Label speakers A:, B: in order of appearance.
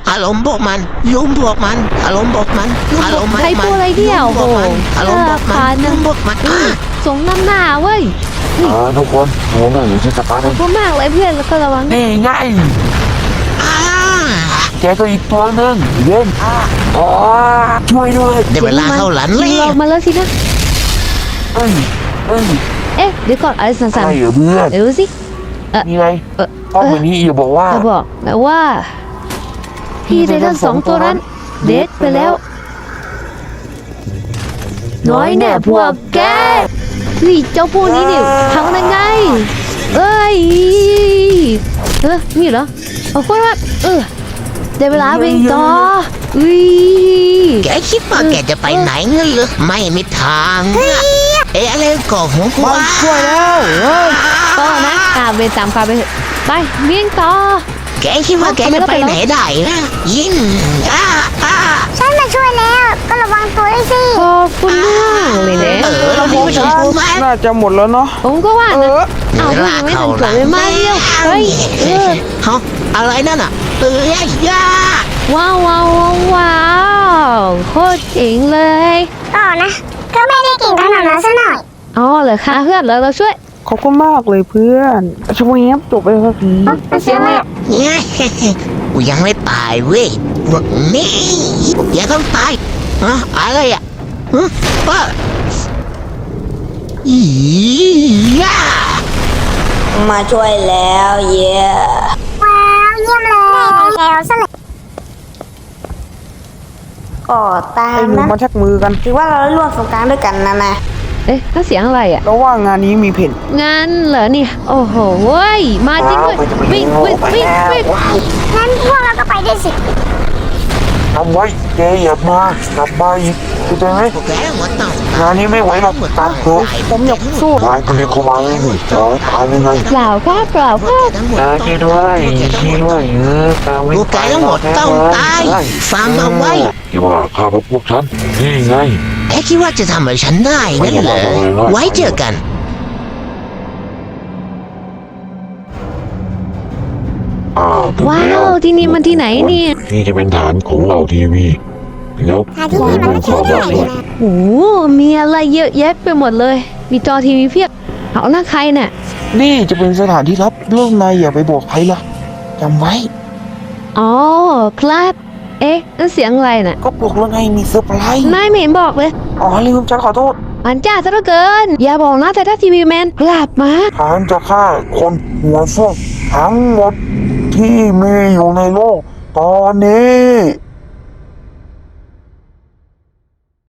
A: อารมณ์พวกมันยุมพวกมันอารมณ์พวกมันอารมณ์
B: ใครพูดอะไรเนี่ยโอ้โห
A: อารมณ์พวกมันยุมพวกมัน
B: สงน้ำหน้าเว้ย
C: ทุกคนโอ้ยอยู่ที่สตาร์ท
B: ขอบคุณมากเลยเพื่อนแล้วก็ระวัง
C: นี่ไงแกก็อีกตัวหนึ่งเย็นช่วยด้วย
A: ได้เวลาเข้าหลัน
B: ยิ
A: แล้
B: งอ
A: ว
B: อกมาแล้วสินะ
C: เอ้ย
B: เอ๊ะเดี๋ยวก่อนอะไรสั่น
C: อะไรเหรอเพื่อน
B: ๆเดี๋ยวดูสิ
C: นี่ไงป้อมแบบนี้อย่าบอกว่า
B: จะบอกแล้วว่า พี่ไททัน2 ตัวนั้นเด็ดไปแล้ว น้อยแน่พวกแกเฮ้ยเจ้าพวกนี้นี่ทำได้ไงเอ้ยนี่เหรอเอาคนละได้เวลาวิ่งต่ออุ้ย
A: แกคิดว่าแกจะไปไหนเงี้ยเหรอไม่มีทางอะไรก่อหัวกู
C: มันช่วยแล้ว
B: ก็นะเวรตามความไปเถอะไปวิ่งต่อ
A: แกคิดว่าแกจะไปไหนได้นะยิง
D: ฉันมาช่วยแล้วก็ระวังตัวด้วยสิ
B: ขอบคุณมากเลยนะ
A: เราไม่ใช่ผู้มา
C: น่าจะหมดแล้วเนาะ
B: ผมก็ว่านะเอาพวกยังไม่ทันเกิดเลยมาเร็วเฮ้ย
A: ฮะอะไรนั่นอ่ะย่า
B: ว้าวว้าวว้าวโคตรเจ๋งเลย
D: ก็นะก็ไม่ได้เก่งขนาดนั้นซะหน่อย
B: อ๋อเหรอคะเพื่อนเราช่วย
C: ขอบคุณมากเลยเพื่อนช่วยเงียบจบไปสักที
B: เสียงอะไร
A: เนี่ยกูยังไม่ตายเว้ยพวกนี้อย่าต้องตายอะไรอ่ะว่าย่า
E: มาช่วยแล้วเย่
D: ว้าวเยี่ยมเลยแล้วซะเลยก็ตาม
C: ไอ้หนู
D: นะ
C: มาชักมือกัน
D: ถือว่าเราได้ร่วมสงกรานต์ด้วยกันนะ
B: เอ๊ะนั่นเสียงอะไรอ่ะ
C: แล้วว่างานนี้มีเพน
B: งานเหรอเนี่ยโอ้โหเว้ยมาจริงด้วยวิ่ง
D: งั้นพวกเราก็ไปด้วยสิ
C: ทำไว้แกอย่ามากลับมาอีกเข้าใจไหม
A: พวกแกหมดต้อง
C: งานนี้ไม่ไหวหรอกตามตัวผมอยากสู้ตายคนเดียวเขามาไม่หนีจะตายยังไง
B: เปล่าครับเปล่าครับ
A: ทั้งหมด
C: ช่วยด้วยช่วยด้วยตามไม่
A: พวกแกทั้งหมดต้องตายฟังเอาไว้
C: ที่ว่าข้าพวกฉันนี่ไง
A: แกคิดว่าจะทำอะไรฉันได้นั่นเหรอไว้เจอกัน
B: ว้าวที่นี่มันที่ไหนเนี่ย
C: นี่จะเป็นฐานของเราทีวีแล้ว
D: หาที่นี่มันไม่ใช่เรื่องเลยนะ
B: โอ้โหมีอะไรเยอะแยะไปหมดเลย มีจอทีวีเพียบเอาหน้าใครเนี่ย
C: นี่จะเป็นสถานที่ลับเรื่องนายอย่าไปบอกใครล่ะจำไว้
B: อ๋อครับเอ๊ะนั่นเสียงอะไรน่ะ
C: ก็บอกแล้วไงมีเซอร์ไพรส์
B: นายไม่เห็นบอกเลย
C: อ๋อลืมฉันขอโทษ
B: อันจ้าซะเหลือเกิน อย่าบอกนะแต่ถ้าทีวีแมนกลับมา
C: ฉันจะฆ่าคนหัวส้มทั้งหมดที่มีอยู่ในโลกตอนนี้